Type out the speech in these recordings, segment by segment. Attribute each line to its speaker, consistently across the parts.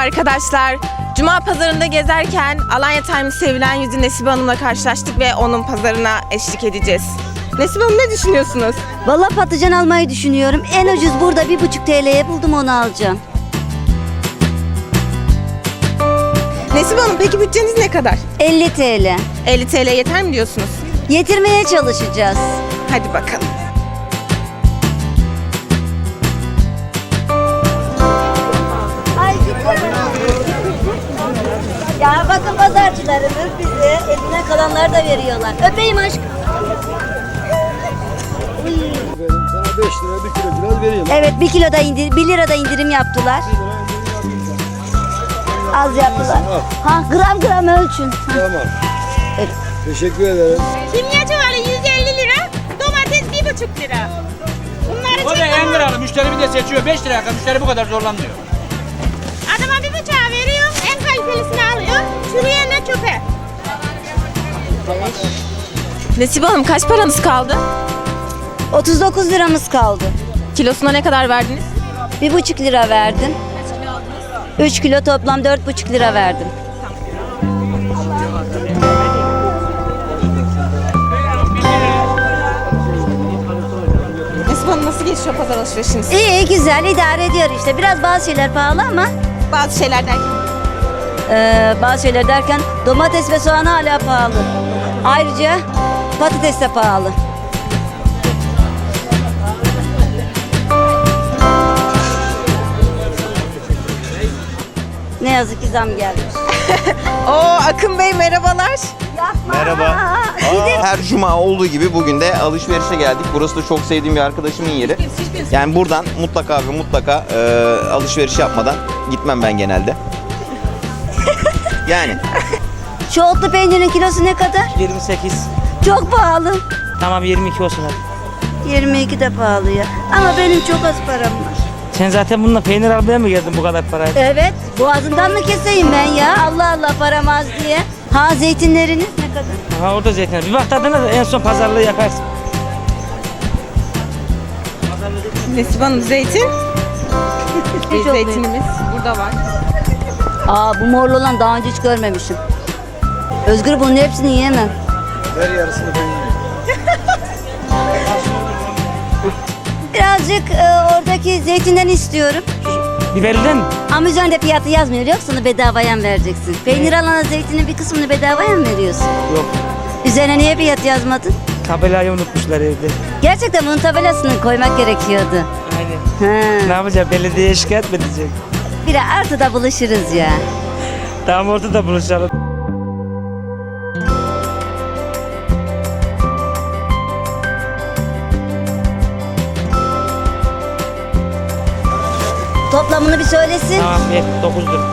Speaker 1: arkadaşlar. Cuma pazarında gezerken Alanya Times sevilen yüzü Nesibe Hanım'la karşılaştık ve onun pazarına eşlik edeceğiz. Nesibe Hanım, ne düşünüyorsunuz?
Speaker 2: Vallahi patlıcan almayı düşünüyorum. En ucuz burada 1,5 TL'ye buldum, onu alacağım.
Speaker 1: Nesibe Hanım, peki bütçeniz ne kadar?
Speaker 2: 50 TL.
Speaker 1: 50 TL yeter mi diyorsunuz?
Speaker 2: Yetirmeye çalışacağız.
Speaker 1: Hadi bakalım.
Speaker 2: Ay ya bakın, pazarcılarımız bize eline kalanlar da veriyorlar. Öpeyim aşkım.
Speaker 3: Sana 5 lira 1 kilo biraz vereyim.
Speaker 2: Evet, 1 kiloda 1 lirada indirim yaptılar. Az yaptılar. Ha, gram gram ölçün. Ha.
Speaker 3: Tamam.
Speaker 2: Evet.
Speaker 3: Teşekkür ederim.
Speaker 4: Kimya çuvalı 150 lira, domates 1,5 lira. Bunları
Speaker 5: O da
Speaker 4: çek
Speaker 5: en
Speaker 4: ama
Speaker 5: liralı. Müşteri bir de seçiyor. 5 liraya kadar müşteri bu kadar zorlanmıyor.
Speaker 4: adama 1,5'a veriyor, en kalitelisini alıyor, çürüyenle çöpe.
Speaker 1: Nesibe Hanım, kaç paranız kaldı?
Speaker 2: 39 liramız kaldı.
Speaker 1: Kilosuna ne kadar verdiniz?
Speaker 2: 1,5 lira verdim. 3 kilo toplam 4,5 lira verdim.
Speaker 1: Nesibe Hanım, nasıl geçiyor pazar alışverişiniz?
Speaker 2: İyi, güzel, idare ediyor işte. Biraz bazı şeyler pahalı ama
Speaker 1: Bazı şeyler derken?
Speaker 2: bazı şeyler derken domates ve soğan hala pahalı. Ayrıca patates de pahalı. Ne yazık ki zam gelmiş.
Speaker 1: Akın Bey, merhabalar.
Speaker 6: Merhaba. Her cuma olduğu gibi bugün de alışverişe geldik. Burası da çok sevdiğim bir arkadaşımın yeri. Yani buradan mutlaka ve mutlaka alışveriş yapmadan gitmem ben genelde. Yani.
Speaker 2: Şu otlu peynirin kilosu ne kadar?
Speaker 7: 28.
Speaker 2: Çok pahalı.
Speaker 7: Tamam 22 olsun hadi.
Speaker 2: 22 de pahalı ya. Ama benim çok az param var.
Speaker 7: Sen zaten bununla peynir almaya mı geldin bu kadar parayı?
Speaker 2: Evet, boğazımdan mı keseyim ben ya? Allah Allah, param az diye. Ha, zeytinleriniz ne kadar?
Speaker 7: Ha orada zeytinler. Bir bak tadına da en son pazarlığı yaparsın.
Speaker 1: Nesibe Hanım, zeytin.
Speaker 2: Hiç olmuyor.
Speaker 1: Zeytinimiz burada var.
Speaker 2: Aa, bu morlu olan daha önce hiç görmemişim. Özgür, bunun hepsini yiyemem.
Speaker 3: Ver yarısını ben yiyeyim.
Speaker 2: Birazcık oradaki zeytinden istiyorum.
Speaker 7: Biberliden mi?
Speaker 2: Ama üzerinde fiyatı yazmıyor. Yoksa onu bedavaya mı vereceksin? Peynir alana zeytinin bir kısmını bedavaya mı veriyorsun?
Speaker 7: Yok.
Speaker 2: Üzerine niye fiyat yazmadın?
Speaker 7: Tabelayı unutmuşlar evde.
Speaker 2: Gerçekten bunun tabelasını koymak gerekiyordu.
Speaker 7: Aynen.
Speaker 2: Ha.
Speaker 7: Ne yapacağım? Belediyeye şikayet mi edecek?
Speaker 2: Bir de artıda buluşuruz ya.
Speaker 7: Tamam orada buluşalım.
Speaker 2: Toplamını bir söylesin.
Speaker 7: Tamam ver 9 lira.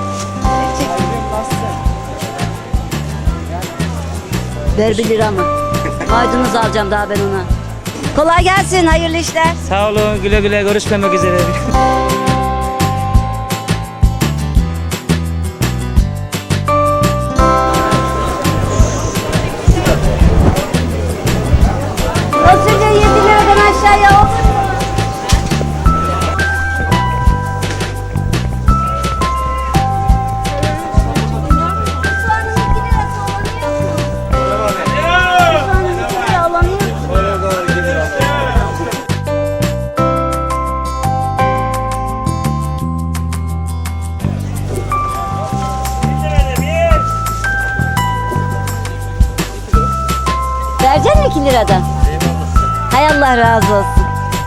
Speaker 2: Ver 1 lira mı? Maydanoz alacağım daha ben ona. Kolay gelsin, hayırlı işler.
Speaker 7: Sağ olun, güle güle, görüşmemek üzere.
Speaker 2: Fasulye 7 liradan aşağıya olur mu? Soğanın 2 lirası alamıyor musun? Soğanın 2 lira alamıyor musun? Verecek mi 2 liradan? Hay Allah razı olsun.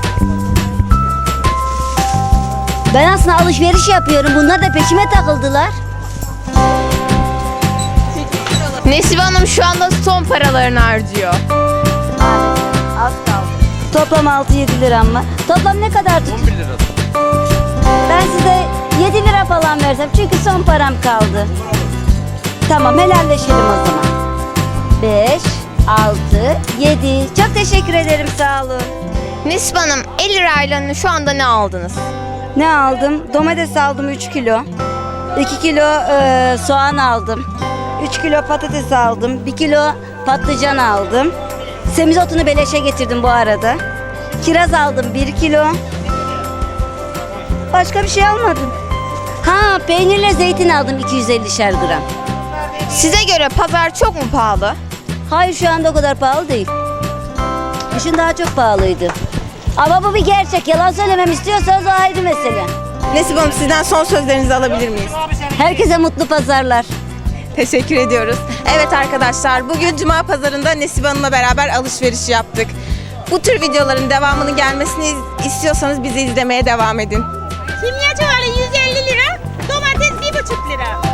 Speaker 2: Ben aslında alışveriş yapıyorum. Bunlar da peşime takıldılar.
Speaker 1: Nesibe Hanım şu anda son paralarını harcıyor.
Speaker 2: Az kaldı. Toplam 6-7 liram var. Toplam ne kadar tut?
Speaker 6: 11 lira.
Speaker 2: Ben size 7 lira falan versem. Çünkü son param kaldı. Tamam, helalleşelim o zaman. 5, 6, 7. Çok teşekkür ederim, sağ olun.
Speaker 1: Nesibe Hanım, 50 lirayla şu anda ne aldınız?
Speaker 2: Ne aldım? Domates aldım 3 kilo. 2 kilo soğan aldım. 3 kilo patates aldım. 1 kilo patlıcan aldım. Semizotunu beleşe getirdim bu arada. Kiraz aldım 1 kilo. Başka bir şey almadım. Ha, peynirle zeytin aldım 250'şer gram.
Speaker 1: Size göre pazar çok mu pahalı?
Speaker 2: Hayır, şu anda o kadar pahalı değil. Kışın daha çok pahalıydı. Ama bu bir gerçek. Yalan söylemem istiyorsanız o ayrı mesele.
Speaker 1: Nesibe Hanım, sizden son sözlerinizi alabilir miyiz?
Speaker 2: Herkese mutlu pazarlar.
Speaker 1: Teşekkür ediyoruz. Evet arkadaşlar, bugün Cuma pazarında Nesibe Hanım'la beraber alışveriş yaptık. Bu tür videoların devamının gelmesini istiyorsanız bizi izlemeye devam edin.
Speaker 4: Kimya çuvalı 150 lira, domates 1,5 lira.